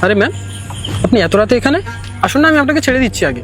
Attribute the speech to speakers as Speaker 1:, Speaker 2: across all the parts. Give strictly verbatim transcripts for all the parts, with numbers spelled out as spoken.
Speaker 1: আরে ম্যাম, আপনি এত রাতে এখানে আসুন না, আমি আপনাকে ছেড়ে দিচ্ছি আগে।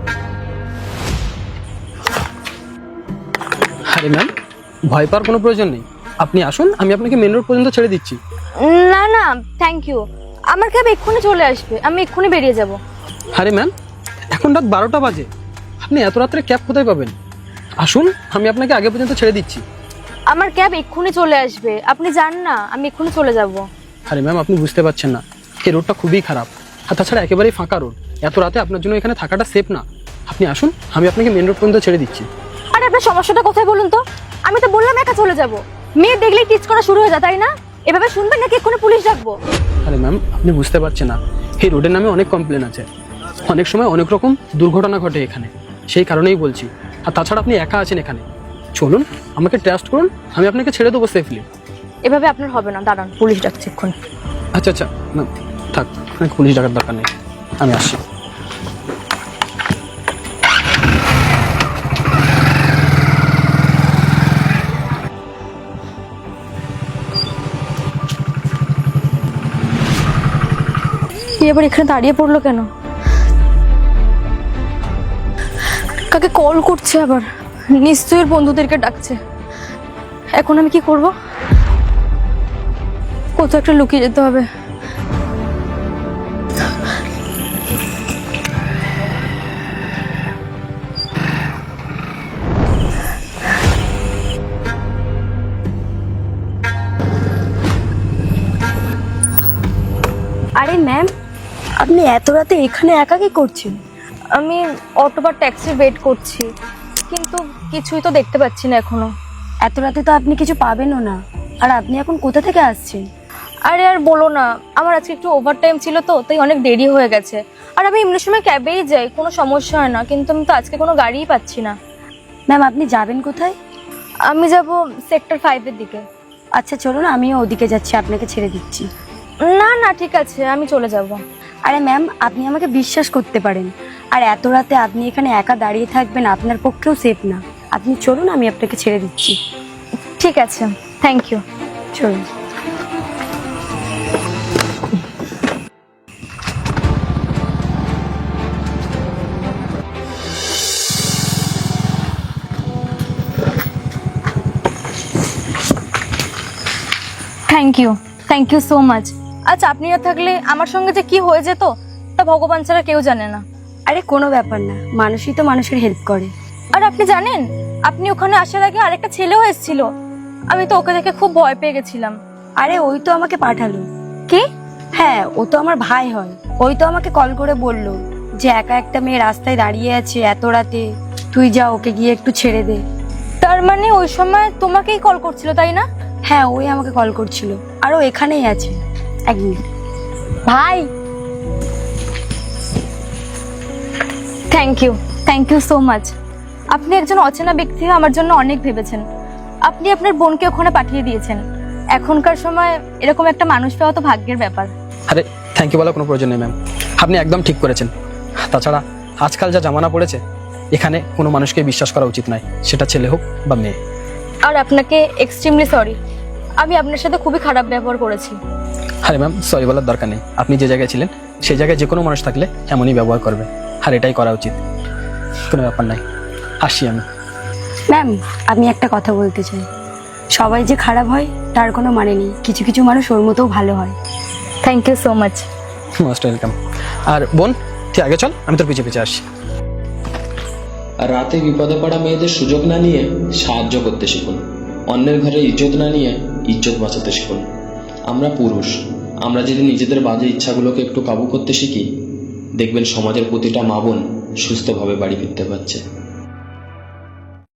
Speaker 1: আরে ম্যাম, ভয় পাওয়ার কোনো প্রয়োজন নেই, আপনি আসুন, আমি আপনাকে মেন রোড পর্যন্ত ছেড়ে দিচ্ছি।
Speaker 2: না না থ্যাংক ইউ, আমার ক্যাব এক্ষুনি চলে আসবে, আমি এক্ষুনি বেরিয়ে যাব।
Speaker 1: আরে ম্যাম, এখন রাত বারোটা বাজে, আপনি এত রাত্রে ক্যাব কোথায় পাবেন? আসুন, আমি আপনাকে আগে পর্যন্ত ছেড়ে দিচ্ছি।
Speaker 2: আমার ক্যাব এক্ষুনি চলে আসবে, আপনি যান না, আমি এক্ষুনি চলে যাব।
Speaker 1: আরে ম্যাম, আপনি বুঝতে পারছেন না, এই রোডটা খুবই খারাপ, আর তাছাড়া একেবারেই ফাঁকা রোড, এত রাতে আপনার জন্য এখানে থাকাটা সেফ না। আপনি আসুন, আমি আপনাকে মেন রোড পর্যন্ত ছেড়ে দিচ্ছি।
Speaker 2: আরে আপনার সমস্যাটা কোথায় বলুন তো? আমি তো বললাম একা চলে যাব, মেয়ে দেখলেই টিচ করা শুরু হয়ে যায়, তাই না? এভাবে শুনবেন নাকি এক্ষুনি পুলিশ ডাকবো?
Speaker 1: আরে ম্যাম, আপনি বুঝতে পারছেন না, এই রোডের নামে অনেক কমপ্লেন আছে, অনেক সময় অনেক রকম দুর্ঘটনা ঘটে এখানে, সেই কারণেই বলছি। আর তাছাড়া আপনি একা আছেন এখানে, চলুন, আমাকে ট্রাস্ট করুন, আমি আপনাকে ছেড়ে দেবো সেফলি।
Speaker 2: এভাবে আপনার হবে না, দাঁড়ান, পুলিশ ডাকছে এক্ষুনি।
Speaker 1: আচ্ছা আচ্ছা, ম্যাম থাক, আপনাকে পুলিশ ডাকার দরকার নেই, আমি আসছি।
Speaker 2: এবার এখানে দাঁড়িয়ে পড়লো কেন? কাকে কল করছে আবার? নিশ্চয়ই বন্ধুদেরকে ডাকছে। এখন আমি কি করব? কোথাও একটা লুকিয়ে যেতে হবে।
Speaker 3: আরে ম্যাম, আপনি এত রাতে এখানে একা কি করছেন?
Speaker 2: আমি অটো বা ট্যাক্সি ওয়েট করছি, কিন্তু কিছুই তো দেখতে পাচ্ছি না এখনো।
Speaker 3: এত রাতে তো আপনি কিছু পাবেনও না। আর আপনি এখন কোথা থেকে আসছেন?
Speaker 2: আরে আর বলো না, আমার আজকে একটু ওভার টাইম ছিল তো, তাই অনেক দেরি হয়ে গেছে। আর আমি এমনি সময় ক্যাবেই যাই, কোনো সমস্যা হয় না, কিন্তু আমি তো আজকে কোনো গাড়িই পাচ্ছি না।
Speaker 3: ম্যাম, আপনি যাবেন কোথায়?
Speaker 2: আমি যাব সেক্টর ফাইভের দিকে।
Speaker 3: আচ্ছা চলুন, আমিও ওদিকে যাচ্ছি, আপনাকে ছেড়ে দিচ্ছি।
Speaker 2: না না ঠিক আছে, আমি চলে যাব।
Speaker 3: আরে ম্যাম, আপনি আমাকে বিশ্বাস করতে পারেন, আর এত রাতে আপনি এখানে একা দাঁড়িয়ে থাকবেন আপনার পক্ষেও সেফ না। আপনি চলুন, আমি আপনাকে ছেড়ে দিচ্ছি।
Speaker 2: ঠিক আছে, থ্যাংক ইউ।
Speaker 3: চলুন।
Speaker 2: Thank you, thank you so much. আচ্ছা, আপনি না থাকলে আমার সঙ্গে যে কি হয়ে যেত তা ভগবান ছাড়া কেউ জানে না।
Speaker 3: আরে কোনো ব্যাপার না, মানুষই তো মানুষের হেল্প করে।
Speaker 2: আর আপনি জানেন, আপনি ওখানে আসার আগে আরেকটা ছেলেও এসেছিল, আমি তো ওকে দেখে খুব ভয় পেয়ে গেছিলাম।
Speaker 3: আরে ওই তো আমাকে পাঠালো।
Speaker 2: কি?
Speaker 3: হ্যাঁ, ও তো আমার ভাই হয়। ওই তো আমাকে কল করে বলল যে একা একটা মেয়ে রাস্তায় দাঁড়িয়ে আছে এত রাতে, তুই যা ওকে গিয়ে একটু ছেড়ে দে।
Speaker 2: তার মানে ওই সময় তোমাকেই কল করছিল, তাই না?
Speaker 3: হ্যাঁ, ওই আমাকে কল করছিল, আর ও এখানেই আছে। এক মিনিট।
Speaker 2: ভাই, thank you, thank you so much. আপনি একজন অচেনা ব্যক্তি হয়ে আমার জন্য অনেক ভেবেছেন। আপনি আপনার বোনকে ওখানে পাঠিয়ে দিয়েছেন। এখনকার সময় এরকম একটা মানুষ পাওয়া তো ভাগ্যের ব্যাপার।
Speaker 1: আরে থ্যাংক ইউ বলার কোনো প্রয়োজন নেই ম্যাম, আপনি একদম ঠিক করেছেন। তাছাড়া আজকাল যা জামানা পড়েছে, এখানে কোনো মানুষকে বিশ্বাস করা উচিত নয়, সেটা ছেলে হোক বা মেয়ে।
Speaker 2: আর আপনাকে এক্সট্রিমলি সরি, আমি আপনার সাথে খুবই খারাপ ব্যবহার করেছি।
Speaker 1: আরে ম্যাম, সরি বলার দরকার নেই, আপনি যে জায়গায় ছিলেন সেই জায়গায় যে কোনো মানুষ থাকলে এমনই ব্যবহার করবে, আর এটাই করা উচিত। কোনো ব্যাপার নাই, আসি আমি।
Speaker 3: ম্যাম, আমি একটা কথা বলতে চাই, সবাই যে খারাপ হয় তার কোনো মানে নেই, কিছু কিছু মানুষ ওর মতোও ভালো হয়।
Speaker 2: Thank you so much.
Speaker 1: Most welcome. আর বোন, তুই আগে চল, আমি তোর পিছে পিছে আসি।
Speaker 4: আর রাতে বিপদে পড়া মেয়েদের সুযোগ না নিয়ে সাহায্য করতে শিখুন। অন্যের ঘরে ইজ্জত না নিয়ে ইজ্জত বাঁচাতে শিখুন। আমরা পুরুষ, আমরা যদি নিজেদের বাজে ইচ্ছাগুলোকে একটু কাবু করতে শিখি, দেখবেন সমাজের প্রতিটা মা বোন সুস্থভাবে বাড়ি ফিরতে পারছে।